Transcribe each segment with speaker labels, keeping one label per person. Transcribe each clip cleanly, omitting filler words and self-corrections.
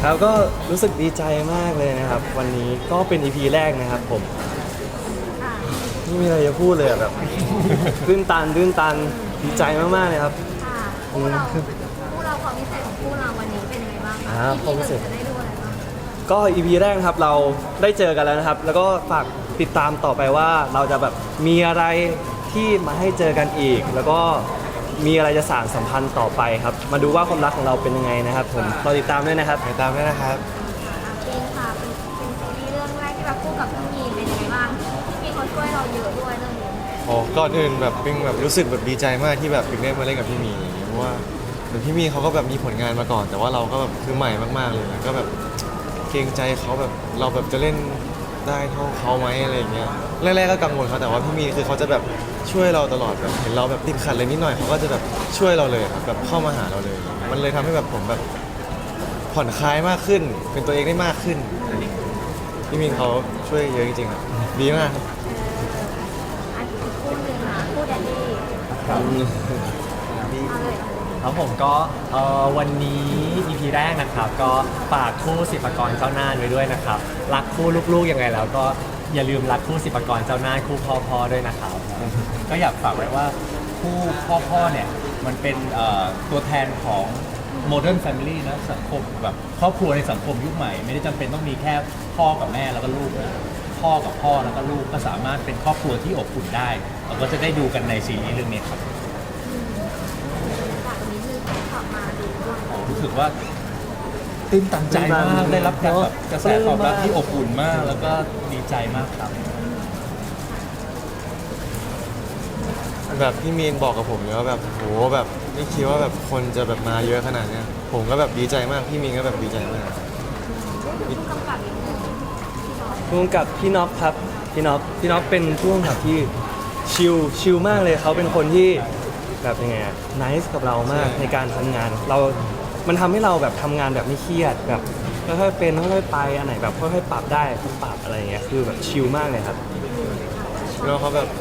Speaker 1: ครับก็รู้สึกดีใจมากเลยนะครับ วันนี้ก็เป็น EP แรกนะครับผมไม่มีอะไรจะพูดเลยอะแบบ ตื้นตันดีใจมากๆเลยครับ
Speaker 2: ค่ะคู่เราความพิเศษของคู่เราวันนี้เป็นยังไงบ้างคะ
Speaker 1: ความพิเศษ
Speaker 2: จะได้ดูอะไรบ้าง
Speaker 1: ก็ EP แรกนะครับเราได้เจอกันแล้วนะครับ แล้วก็ฝากติดตามต่อไปว่าเราจะแบบมีอะไรที่มาให้เจอกันอีก แล้วก็มีอะไรจะสานสัมพันธ์ต่อไปครับ มาดูว่าความรักของเราเป็นยังไงนะครับผมรอติดตามด้วยนะครับ
Speaker 3: ติดตามด้วยนะครับ
Speaker 2: จริงค่ะเป็นซีรีส์เรื่องแรกที่แบบคู่กับพี่มีนเป็นยังไงบ้างพี่มีนเขาช่วยเราเยอะด้วยเรื่องนี้
Speaker 3: โอ้ก่อนอื่นแบบปิงแบบรู้สึกแบบดีใจมากที่แบบปิงได้มาเล่นกับพี่มีอย่างเงี้ยเพราะว่าเหมือนพี่มีเขาก็แบบมีผลงานมาก่อน แต่ว่าเราก็แบบคือใหม่มากๆเลยแล้วก็แบบเกรงใจเขาแบบเราแบบจะเล่นได้เท่าเขาไหมอะไรอย่างเงี้ยแรกๆก็กังวลเขาแต่ว่าพี่มีคือเขาจะแบบช่วยเราตลอดแบบเห็นเราแบบติดขัดอะไรนิดหน่อยเขาก็จะแบบช่วยเราเลยครับแบบเข้ามาหาเราเลย มันเลยทำให้แบบผมแบบผ่อนคลายมากขึ้น เป็นตัวเองได้มากขึ้นพี่มีเขาช่วยเยอะจริงๆครับดีมากครับ
Speaker 2: อันอีกคู่หนึ่งนะคู่แดดดี้เอาเลย
Speaker 4: ครับผมก็วันนี้ EP แรกนะครับก็ฝากคู่ศิลปากรเจ้าหน้าไว้ด้วยนะครับรักคู่ลูกๆยังไงแล้วก็อย่าลืมรักคู่ศิลปากรเจ้าหน้าคู่พ่อด้วยนะครับก็อยากฝากไว้ว่าคู่พ่อเนี่ยมันเป็นตัวแทนของ Modern Family นะสังคมแบบครอบครัวในสังคมยุคใหม่ไม่ได้จำเป็นต้องมีแค่พ่อกับแม่แล้วก็ลูกนะพ่อกับพ่อแล้วก็ลูกก็สามารถเป็นครอบครัวที่อบอุ่นได้เราก็จะได้ดูกันในซีรีส์เรื่องนี้ครับ
Speaker 2: จากนี้คือขับมาดูด้วย
Speaker 4: รู้สึกว่าตื่นตันใจมากได้รับการแบบกระแสตอบรับที่อบอุ่นมาก แล้วก็ดีใจมากครับ
Speaker 3: แบบพี่มีนบอกกับผมเลยว่าแบบโหแบบไม่คิดว่าแบบคนจะแบบมาเยอะขนาดเนี้ยผมก็แบบดีใจมากพี่มีนก็แบบดีใจมาก
Speaker 2: ผู้กำกับอีกหนึ่งพี่น้อง
Speaker 1: ร่วมกับพี่น็อปครับพี่น็อปเป็นผู้กำกับที่ชิลมากเลยเขาเป็นคนที่แบบยังไงน c e กับเรามากในการทำงานมันทำให้เราแบบทำงานแบบไม่เครียดแบบค่อยๆเป็นค่อยๆไปอันไหนแบบค่อยๆปรับได้ก็ปรับอะไรอย่างเงี้ยคือแบบชิลมากเลยครับ
Speaker 3: แล้วเขาแบบ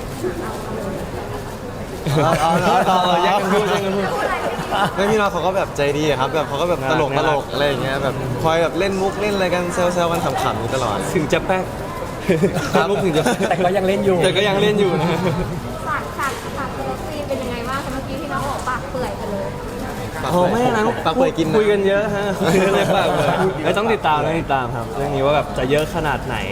Speaker 1: แยกกันพูด
Speaker 3: ไม่พี่น้องเขาก็แบบใจดีอะครับแบบเขาก็แบบตลก
Speaker 1: น่ารัก
Speaker 3: อะไรอย่างเงี้ยแบบคอยแบบเล่นมุกเล่นอะไรกันแซวๆกันขำๆอยู่ตลอด
Speaker 1: ถึงจะแป๊กมุกถึงจะ
Speaker 4: แต่ก็ยังเล่นอยู่
Speaker 1: แต่ก็ยังเล่นอยู่นะ
Speaker 2: ฉากเลิฟซีนเป็นยังไงบ้างคะเมื่อกี้พี่น้องบอกปากเปื่อยกันเลย
Speaker 1: โอ้ไม่นะ
Speaker 3: ปากเปื่อยกินนะ
Speaker 1: คุยกันเยอะฮะคุยกันเลยปากเปื่อยไม่ต้องติดตามครับเรื่องนี้ว่าแบบจะเยอะขนาดไหน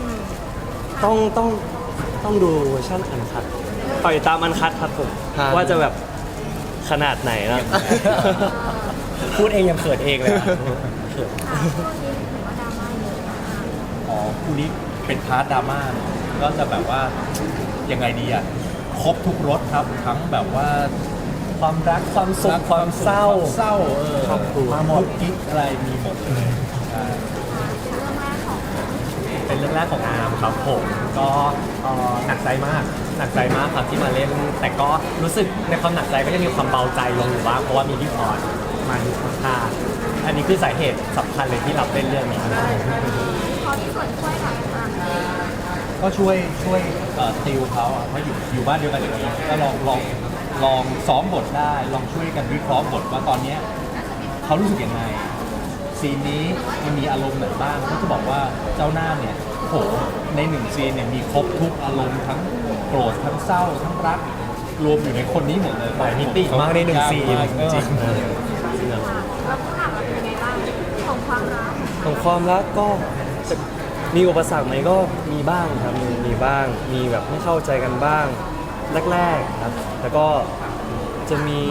Speaker 1: ต้องดูเวอร์ชันอันคัดต่อยตามอันคัดครับผมว่าจะแบบขนาดไหนนะ
Speaker 4: พูดเองยังเขินเองเลยอะ
Speaker 2: ช่วงนี้ถือว่าดราม่าเยอะมาก
Speaker 4: อ๋อคู่นี้เป็นพาร์ทดราม่าก็จะแบบว่ายังไงดีอ่ะครบทุกรสครับทั้งแบบว่าความรักความสุขความเศร้า
Speaker 1: ครอบครัว
Speaker 4: มาหมดกิ๊กอะไรมีหมดเลยใช่
Speaker 2: เรื่องแรกของ
Speaker 4: เป็นเรื่องแรกของอาร์มครับผมก็หนักใจมากครับที่มาเล่น แต่ก็รู้สึกในความหนักใจก็จะมีความเบาใจลงอยู่บ้างเพราะว่ามีพี่พรมาอยู่ข้างๆอันนี้คือสาเหตุสำคัญเลยที่รับเล่นเรื่องนี้
Speaker 2: พอที่ส่วนช่วยกับอ่านเอง
Speaker 4: ก็ช่วยติวเขาอ่ะเพราะอยู่บ้านเดียวกันอย่างนี้ก็ลองซ้อมบทได้ลองช่วยกันวิเคราะห์บทว่าตอนเนี้ยเขารู้สึกยังไงซีนนี้มันมีอารมณ์ไหนบ้างก็จะบอกว่าเจ้าหน้าเนี่ยโหในหนึ่งซีนเนี่ยมีครบทุกอารมณ์ทั้งโกรธทั้งเศร้าทั้งรักรวมอยู่ในคนนี้หมดเลยหลายมิติมากในหนึ่งซีนจริง
Speaker 2: แล้วผู้หลักเป็นยังไงบ้างของความรัก
Speaker 1: ของความรักก็จะมีอุปสรรคไหมก็มีบ้างครับมีบ้างมีแบบไม่เข้าใจกันบ้างแรกๆครับแล้วก็จะมี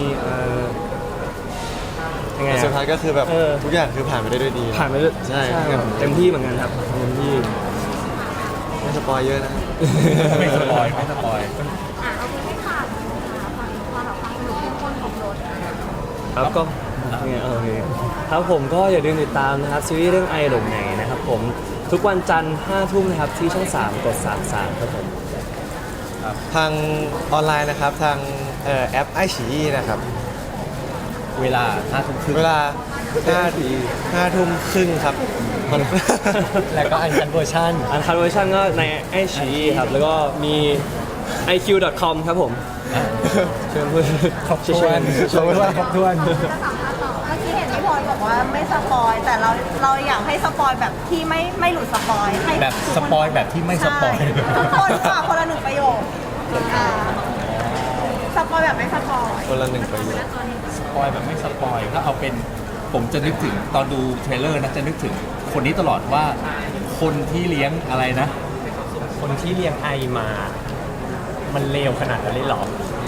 Speaker 1: ยังไง
Speaker 3: แต่สุดท้ายก็คือแบบ
Speaker 1: เออ
Speaker 3: ทุกอย่างคือผ่านไปได้ด้วยดี
Speaker 1: ผ่านไปด้วย
Speaker 3: ใช่
Speaker 1: ครับเต็มที่เหมือนกันครับเต็มที่
Speaker 3: ไม่สปอยเยอะนะ
Speaker 4: ไม่สปอยไม่สปอย
Speaker 2: เอาไปให้ขาดความแบบความสนุกเข้มข้นของรถ
Speaker 1: ครับก็เนี่ยโอเคครับผมก็อย่าลืมติดตามนะครับซีรีส์เรื่องไอหลงไหนนะครับผมทุกวันจันทร์5 ทุ่มนะครับที่ช่อง 3 กด 33ครับผม
Speaker 3: ทางออนไลน์นะครับทางแอปไอฉีนะครับ
Speaker 4: เวลา5 ทุ่มครึ่ง
Speaker 3: เวลา5 ทุ่มครึ่งครับมัน
Speaker 4: แล้วก็อันคันเวอร์ชัน
Speaker 1: อันคัดเวอร์ชันก็ในไอชีครับ แล้วก็มี iq.com ครับผมเชิญเพื่อน
Speaker 4: ครบถ้วน
Speaker 1: เชิญ
Speaker 4: ครบถ้วน
Speaker 2: ถ้าสัมภาษณ์ต่อเมื่อกี้เห็นพี่พลอยบอกว่า
Speaker 5: ว่าไม่สปอยแต่เราอยากให้สปอยแบบที่ไม่หลุดสปอยให้
Speaker 6: แบบสปอยแบบที่ไม่สปอย
Speaker 5: ใช่ทุกคนฝากคนละหนึ่งประโยคอ่าสปอยแบบไม่สปอย
Speaker 3: คนละหนึ่งประโยค
Speaker 6: สปอยแบบไม่สปอยถ้าเอาเป็นผมจะนึกถึงตอนดูเทรลเลอร์นะจะนึกถึงคนนี้ตลอดว่าคนที่เลี้ยงอะไรนะ
Speaker 4: คนที่เลี้ยงไอมา มันเลวขนาดนั้นเลยเหรอ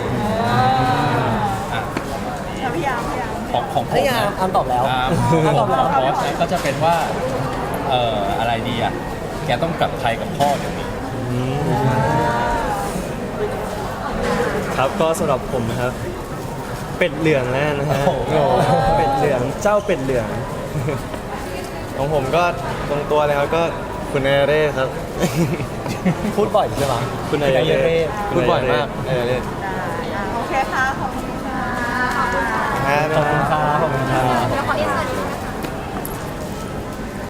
Speaker 6: อ่ะ
Speaker 5: พยายาม
Speaker 6: ของผม
Speaker 4: นี่ไง
Speaker 6: นะ
Speaker 4: อันตอบแล้ว
Speaker 6: ของ
Speaker 4: ตอบแล้ว
Speaker 6: บอสนะก็จะเป็นว่าอะไรดีอ่ะแกต้องกลับไทยกับพ่อเดี๋ยวนี้
Speaker 1: ครับก็สำหรับผมนะครับ เป็ดเหลืองแล้วนะฮะเป็ดเหลืองเจ้าเป็ดเหลือง
Speaker 3: ของผมก็ตรงตัวเลยครับก็คุณเอเร่ครับ
Speaker 4: พูดบ่อยใช่ไหม
Speaker 1: คุณนายเรศ
Speaker 3: พูดบ่อยมากเอเร่
Speaker 5: ได้